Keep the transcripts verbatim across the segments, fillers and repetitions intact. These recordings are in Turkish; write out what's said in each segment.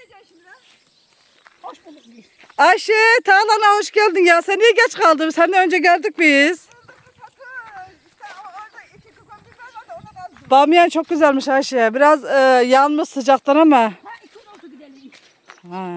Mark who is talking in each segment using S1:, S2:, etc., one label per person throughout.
S1: gideceksin şimdi lan?
S2: Hoş bulduk biz.
S3: Ayşe, Tağlan'a hoş geldin ya. Sen niye geç kaldın? Senden önce geldik biz. Bamyan çok güzelmiş Ayşe. Biraz e, yanmış sıcaktan ama.
S2: Ha iki gün oldu gidelim.
S3: Ha.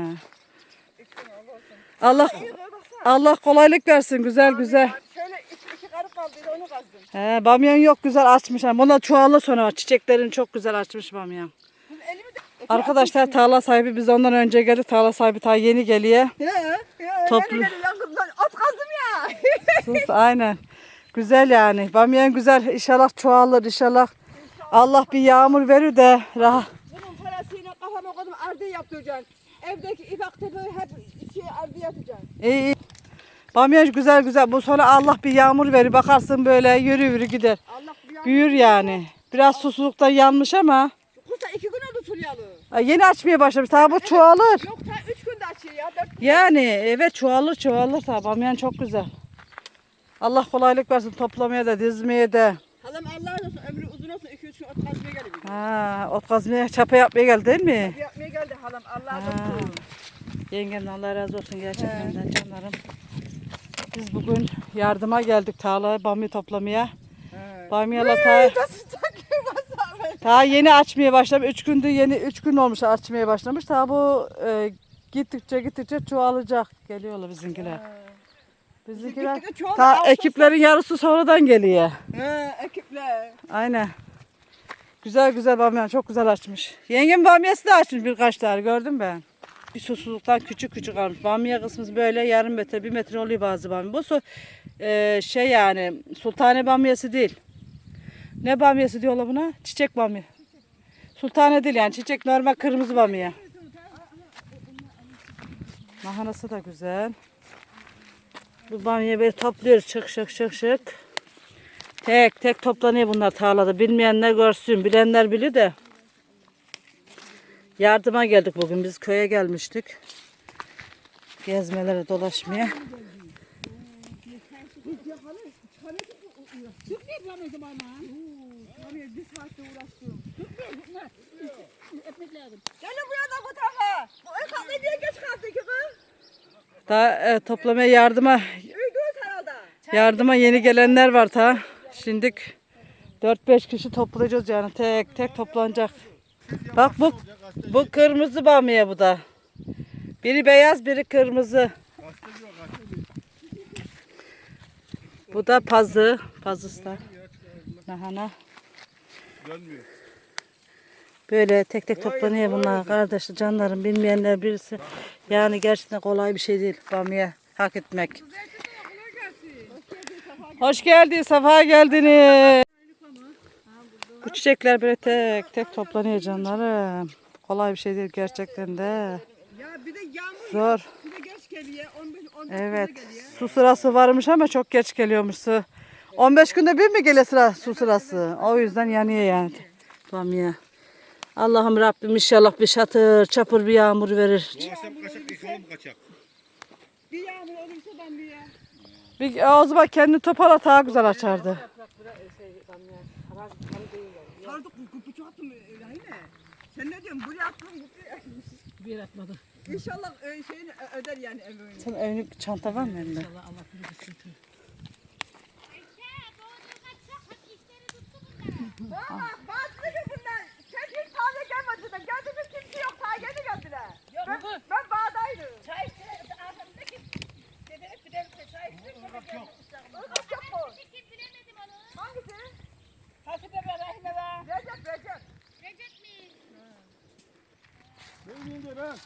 S3: Allah Allah kolaylık versin. Güzel güzel.
S1: Şöyle iki, iki karı kaldıydı onu kazdım.
S3: He, bamyan yok güzel açmış. Buna çuvallı sonra çiçeklerini çok güzel açmış bamyan.
S1: Elimi de...
S3: Arkadaşlar tarla sahibi biz ondan önce geldik. Tarla sahibi ta yeni geliyor.
S1: Ya, ya,
S3: Toplu-
S1: yeni geliyor yangından at kazdım ya.
S3: Sus aynen. Güzel yani. Bamyan güzel. İnşallah çoğalır inşallah. Allah bir yağmur verir de rahat.
S1: Bunun parasıyla kafama koydum ardiye yaptıracaksın. Evdeki ipek tepeyi hep şey ardiye yapacaksın.
S3: İyi iyi. Bamyan güzel güzel. Bu sonra Allah bir yağmur verir. Bakarsın böyle yürü yürü gider.
S1: Allah bir yağmur-
S3: Büyür yani. Biraz susuzluktan yanmış ama
S1: Kusa iki gün oldu Fulyalı.
S3: ay, yeni açmaya başlamış. Tabi bu çoğalır.
S1: Yok ta üç günde açıyor ya. Dört...
S3: Yani evet çoğalır çoğalır tabi. Bamyan çok güzel. Allah kolaylık versin toplamaya da dizmeye de.
S1: Halam Allah razı olsun ömrü uzun olsun iki üç gün ot kazmaya geliyor.
S3: Ha, ot kazmaya çapa yapmaya geldi değil mi?
S1: Bir yapmaya geldi halam Allah razı
S3: Ha.
S1: olsun.
S3: Yengemden Allah razı olsun gerçekten de canlarım. Biz bugün yardıma geldik tarlaya bamya toplamaya. Bamyalar ta,
S1: Nasıl takıyor masal?
S3: ta yeni açmaya başlamış. Üç gündür yeni üç gün olmuş açmaya başlamış. Ta bu e, gittikçe gittikçe çoğalacak. Geliyorlar bizimkiler. Bizimkiler
S1: Gittikçe çoğalır,
S3: ta
S1: Ağustos-
S3: ekiplerin yarısı sonradan geliyor.
S1: He ekiple.
S3: Aynen. Güzel güzel bamya çok güzel açmış. Yengem bamyası da açmış birkaç tane gördüm ben. Bir susuzluktan küçük küçük almış. Bamya kısmı böyle yarım metre bir metre oluyor bazı bamya. Bu su, e, şey yani sultane bamyası değil. Ne bamyası diyorlar buna? Çiçek bamya. Sultane değil yani çiçek normal kırmızı bamya. Mahanası da güzel. Bu bamyayı böyle topluyoruz şık şık şık şık. Tek tek toplanıyor bunlar tarlada. Bilmeyenler görsün, bilenler bilir de. Yardıma geldik bugün. Biz köye gelmiştik. Gezmelere, dolaşmaya.
S2: Türkmeyi bulamıyorsun bana.
S1: Oraya bir saatte uğraştım.
S2: Ekmek lazım.
S1: Gelin buraya da bu tarafa. Bu ön katlı diye geç kaldı ki kız.
S3: Daha e, toplamaya yardıma
S1: Uyduğuz herhalde.
S3: yardıma yeni gelenler var ta. Şimdik dört beş kişi toplayacağız yani tek tek toplanacak. Bak bu bu kırmızı bamya bu da. Biri beyaz, biri kırmızı. Bu da pazı, pazıslar. Lahana. Böyle tek tek toplanıyor bunlar kardeşler, canlarım bilmeyenler birisi. Yani gerçekten kolay bir şey değil bamya hak etmek. Hoş geldin, safa geldiniz. Bu çiçekler böyle tek tek toplanıyor canlarım. Kolay bir şey değil gerçekten de.
S1: Ya bir de yağmur
S3: Zor.
S1: bir de geç geliyor. on beş on
S3: Evet.
S1: geliyor.
S3: Su sırası varmış ama çok geç geliyormuş su. on beş günde bir mi geliyor sıra su sırası? O yüzden yanıyor yani. Bamya. Allah'ım Rabbim inşallah bir şatır çapır bir yağmur verir.
S4: Bu akşam kaçak, ilk oğlum kaçak.
S1: Bir yağmur olursa ben bir ya.
S3: Bir, o zaman kendini topala daha güzel açardı.
S1: Sardık bu kupuçu attım öyle hayır. Sen ne diyorsun? Buraya attım.
S2: Bir yer atmadı.
S1: İnşallah e, şeyini ö- öder yani emeğini.
S3: Sen önlük çanta var mı elinde?
S2: Allah Allah bilir sıkıntı.
S1: Bak bazı gibi bunlar. Sen hiç taze gelmedi de geldiğimiz kimse yok. Taze geldi geldiler. Ben, ben bağdaydım.
S2: Çay içti. Ağzımdaki dedelik bir delik çay içti.
S1: Irgat yok mu? Hangisi?
S2: Hasibe be Rahime be.
S1: Recep Recep.
S4: Ben yenge ben.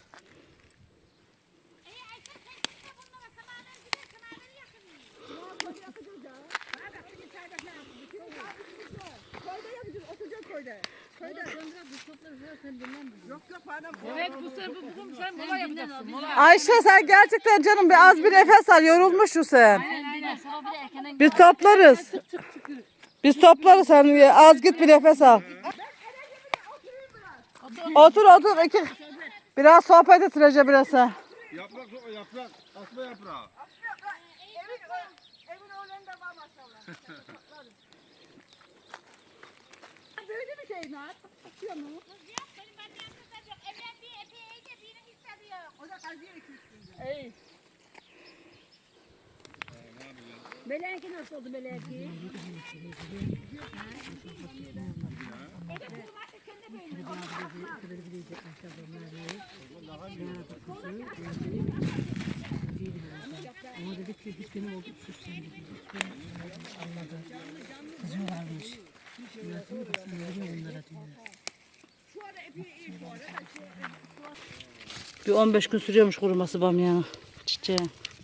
S1: Koyda yapacağız. Oturacağız koyda. Koyda. Yok yok bana.
S2: Evet bu sefer bu bugün sen mola yapacaksın. Mola.
S3: Ayşe sen gerçekten canım bir az bir nefes al yorulmuşsun sen.
S2: Aynen sabah bir de erkenden
S3: Biz toplarız. Biz toplarız sen az git bir nefes al. Otur otur iki. Biraz sohbet et Recep biraz sen.
S4: Yaprak, yaprak, asma yaprağı.
S1: Evin, evin oğlanında var maşallah. Böyle bir şey mi? Atıyor mu?
S2: Meleki nasıl oldu meleki?
S5: Ama dedik ki biz benim olduk sus sen dedi. Anladı. Kızıyorlarmış. Anlatıyor da sen ne diyor onlara diyor.
S3: Bir on beş gün sürüyormuş kuruması bamyanın çiçeği.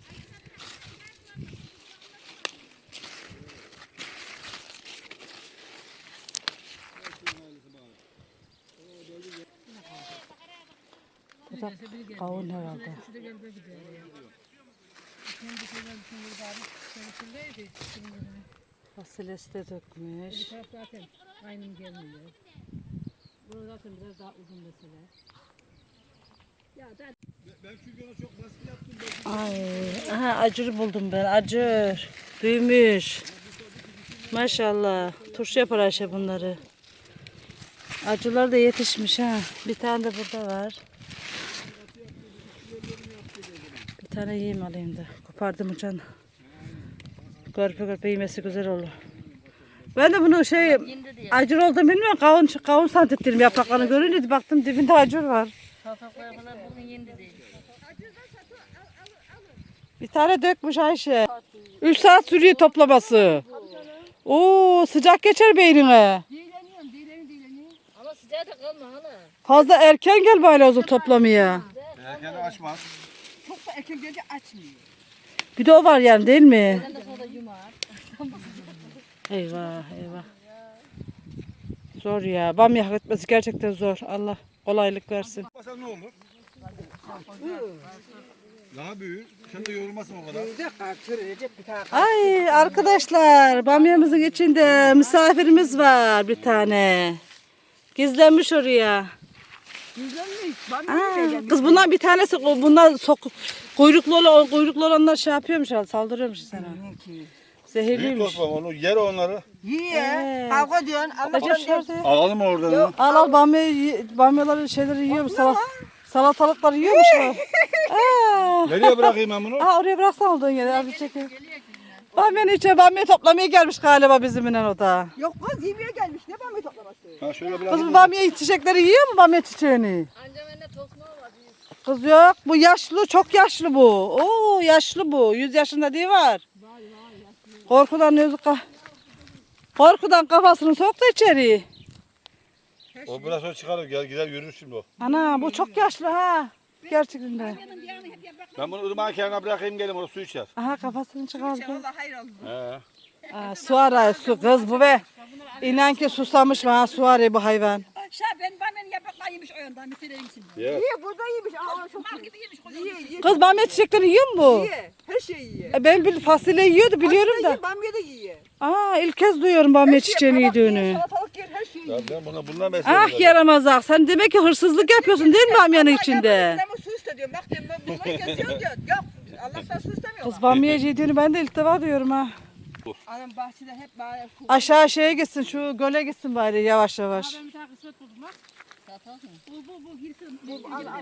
S3: Bu da kavun herhalde. Fasulyesi de dökmüş.
S5: Zaten aynı gelmiyor. Bu zaten biraz daha uzun mesele.
S4: Ben çünkü ona çok baskı yaptım.
S3: Ay, aha acır buldum ben. Acır. Büyümüş. Maşallah. Turşu yapar Ayşe bunları. Acılar da yetişmiş ha. Bir tane de burada var. Bir tane yiyeyim alayım da. Kopardım uçan. Görpe görpe yemesi güzel olur. Ben de bunu şey acır olduğunu bilmiyorum. Kavun, kavun zannettim yapraklarını görünce baktım dibinde acır var.
S2: Salatalıklar falan bugün yendi değil.
S3: Bir tane dökmüş Ayşe. Üç saat sürüyor toplaması. Oo sıcak geçer beynine.
S2: Dileniyorum, dileni dileni. Ama sıcağı da kalma hala.
S3: Fazla erken gel böyle o zaman toplamaya.
S4: Erken açmaz.
S1: Çok da erken gelince açmıyor.
S3: Bir de o var yani değil mi?
S2: Ben de sonra yumar.
S3: Eyvah eyvah. Zor ya. Bamya hak etmesi gerçekten zor. Allah kolaylık versin.
S4: Masa ne olur? Daha büyür. Sen de yorulmasın o kadar.
S1: Bir dakika çürüyecek bir tane.
S3: Ay arkadaşlar bamyamızın içinde misafirimiz var bir tane. Gizlenmiş oraya.
S1: Güzelmiş.
S3: Aa, kız bundan bir tanesi bundan sok kuyruklu olan kuyruklu olanlar şey yapıyormuş herhalde saldırıyormuş sana.
S4: Büyük
S3: Zehirliymiş.
S4: tospam onu yer onları.
S1: Yiye.
S3: Ee.
S1: Kavga diyorsun. Allah
S3: Acaba şurada.
S4: Alalım oradan onu.
S3: Al al bamya, bamyaları şeyleri yiyormuş. Salat, salatalıkları yiyormuş o. Aa.
S4: Nereye bırakayım ben bunu?
S3: Aa, oraya bıraksan olduğun yere. Abi çekin. Bamyanın içine bamya toplamaya gelmiş galiba bizimle o da.
S1: Yok kız yemeğe gelmiş. Ne bamya toplaması?
S4: Ha şöyle
S3: Kız
S4: bırakayım.
S3: bu bamya çiçekleri yiyor mu bamya çiçeğini?
S2: Anca bende tosma var.
S3: Kız yok. Bu yaşlı, çok yaşlı bu. Oo yaşlı bu. Yüz yaşında değil var. Korkudan yüzü ka Korkudan kafasını soktu içeri.
S4: O biraz sonra çıkarır. Gel gider yürür şimdi o.
S3: Ana bu çok yaşlı ha. Gerçekten de.
S4: Ben bunu ırmağın kenarına bırakayım gelin orada su içer.
S3: Aha kafasını çıkardı.
S1: Allah hayır olsun.
S4: He.
S3: Aa, su arıyor su kız bu be. İnan ki susamış mı ha su arıyor bu hayvan.
S2: Şah ben bana yapraklar yemiş o yandan bitireyim şimdi.
S4: Ye.
S1: Yiye burada yemiş. Aa çok
S2: Mal
S1: iyi.
S2: gibi yemiş koca.
S1: Yiye yiye.
S3: Kız bamya çiçekleri yiyor mu bu?
S1: Yiye. Her şeyi yiye.
S3: E, ben bir fasulye yiyordu biliyorum da.
S1: Yiye, bamya da yiye.
S3: Aa ilk kez duyuyorum bamya çiçeğini yediğini.
S1: Salatalık yer her şeyi
S4: Ya
S1: yiye.
S4: ben buna bundan besledim.
S3: Ah yaramazak sen demek ki hırsızlık yapıyorsun değil mi bamyanın içinde?
S1: Ama su istediyorum. Bak diyorum ben bunları kesiyorum diyor. Yok. Allah'tan su istemiyorlar.
S3: Kız bamya yediğini ben de ilk defa duyuyorum ha.
S1: Anam bahçede hep böyle su.
S3: Aşağı şeye gitsin şu göle gitsin bari yavaş yavaş.
S2: Ben bir tane kısmet buldum bak. Salatalık mı? Bu bu bu girsin.
S1: Bu al al.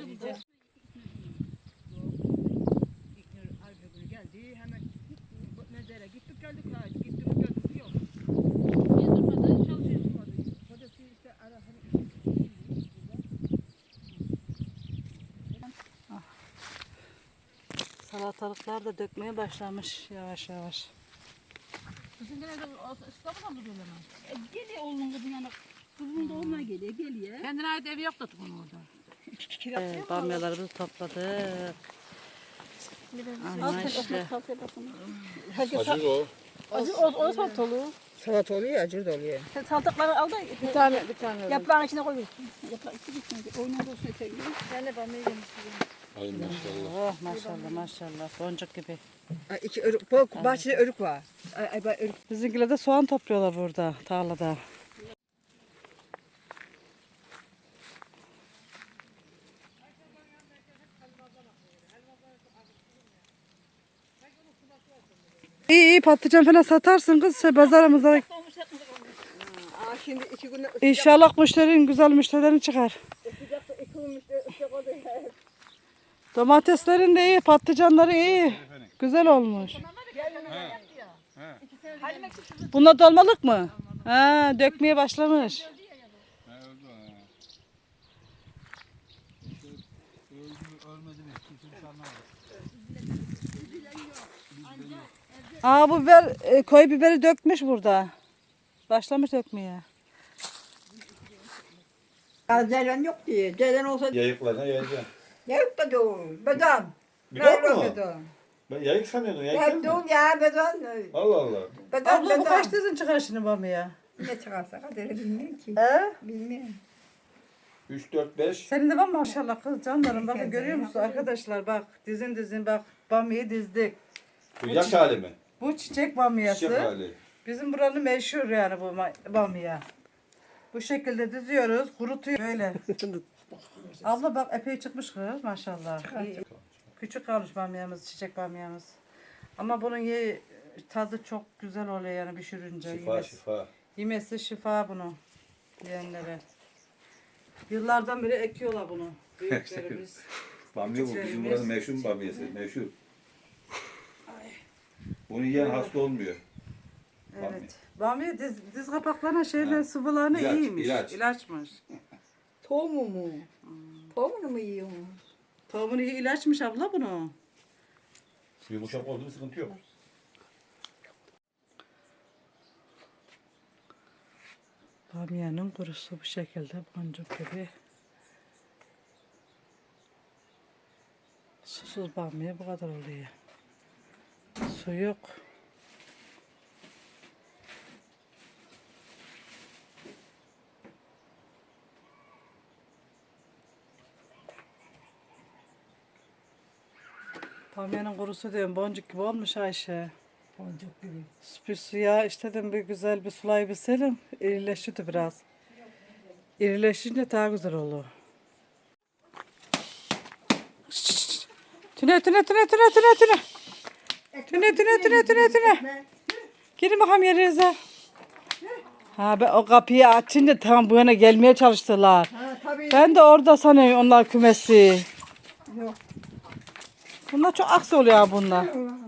S2: Geldi hemen mezara gittik geldik ha gittik geldik yok. Niye durmadı? Çalışıyor durmadı. Kocası işte ara hani
S3: Salatalıklar da dökmeye başlamış yavaş yavaş.
S2: kızın gene de İstanbul'dan mı diyorlar? E, geliyor oğlunun kızın yanına. Kızının doğumuna geliyor geliyor. Kendine ait evi yok da onun orada.
S3: Evet, bamyalarımızı topladık. Ama işte.
S4: Acır o.
S2: Acı o, o salatalığı.
S1: Salat oluyor, acır da oluyor.
S2: Sen salatalıkları al da
S1: Bir tane, bir tane.
S2: yaprağın içine koyuyorsun. Yaprağın içine koyuyorsun. Oyunun olsun eteğini. Ben de bamya yemiştim.
S4: Ay maşallah.
S3: Oh maşallah maşallah boncuk gibi.
S1: Ay, iki örük, bu bahçede örük var. Ay, ay, bak, örük.
S3: Bizimkiler de soğan topluyorlar burada tarlada. İyi iyi patlıcan falan satarsın kız şey, pazarımızda.
S1: Aa, şimdi iki gün
S3: İnşallah müşterin güzel müşterilerin çıkar.
S1: sıcakta iki gün işte ıslak oldu.
S3: Domateslerin de iyi, patlıcanların iyi. Güzel olmuş.
S4: He.
S3: Bunlar dolmalık mı? Ha, dökmeye başlamış.
S4: Ha, öldü ha. İşte öldü mü ölmedi mi? Kimse bir şey anlamadı.
S3: Aa bu biber, e, koyu biberi dökmüş burada. Başlamış dökmeye.
S1: Ya Ceylan yok diye. Ceylan olsa
S4: Yayıklarına yayacağım.
S1: yok da doğum. Bedan.
S4: Bidon mu?
S1: Bedan.
S4: Ben yayık sanıyordum. Yayık
S1: Ya
S4: değil mi?
S1: doğum ya bedan.
S4: Allah Allah.
S1: Bedan
S3: Abla bu kaç
S1: bedan.
S3: dizin çıkar şimdi bamya?
S1: Ne çıkarsa kaderi bilmiyorum ki.
S3: He?
S1: Bilmiyorum.
S4: üç, dört, beş.
S3: Senin de var maşallah kız canlarım. Bakın görüyor musun arkadaşlar bak dizin dizin bak bamyayı dizdik.
S4: Bu yaş hali mi?
S3: Bu çiçek bamyası.
S4: Çiçek hali.
S3: Bizim buranın meşhur yani bu ma- bamya. Bu şekilde diziyoruz, kurutuyor böyle. Abla bak epey çıkmış kız maşallah. İyi. Küçük kalmış bamyamız, çiçek bamyamız. Ama bunun ye tadı çok güzel oluyor yani pişirince.
S4: Şifa
S3: Yemesi,
S4: şifa.
S3: yemesi şifa bunu yiyenlere. Yıllardan beri ekiyorlar bunu büyüklerimiz.
S4: Bamya bu. Bizim buranın meşhur bamyası. Meşhur. Bunu yiyen hasta olmuyor. Bamya.
S3: Evet. Bamya diz, diz kapaklarına şeyler sıvılarına
S4: İlaç,
S3: iyiymiş.
S4: ilaç.
S3: İlaçmış.
S1: Tohumu mu? Tohumunu mu yiyorsun?
S3: Tohumunu iyi ilaçmış abla bunu.
S4: Yumuşak oldu mu sıkıntı yok.
S3: Bamyanın kurusu bu şekilde boncuk gibi. Susuz bamya bu kadar oluyor. Su yok. Bamyanın kurusu diyorum boncuk gibi olmuş Ayşe.
S1: Boncuk gibi.
S3: Bir suya işte dedim bir güzel bir sulayabilselim irileşirdi biraz. İrileşince daha güzel olur. Şşş. Tüne tüne tüne tüne tüne tüne. Tüne tüne tüne tüne tüne. Girin bakalım yerinize. Ha ben o kapıyı açınca tam bu yana gelmeye çalıştılar.
S1: Ha tabii.
S3: Ben de orada sanıyorum onlar kümesi.
S1: Yok.
S3: Bunlar çok aksi oluyor ha bunlar.
S1: Allah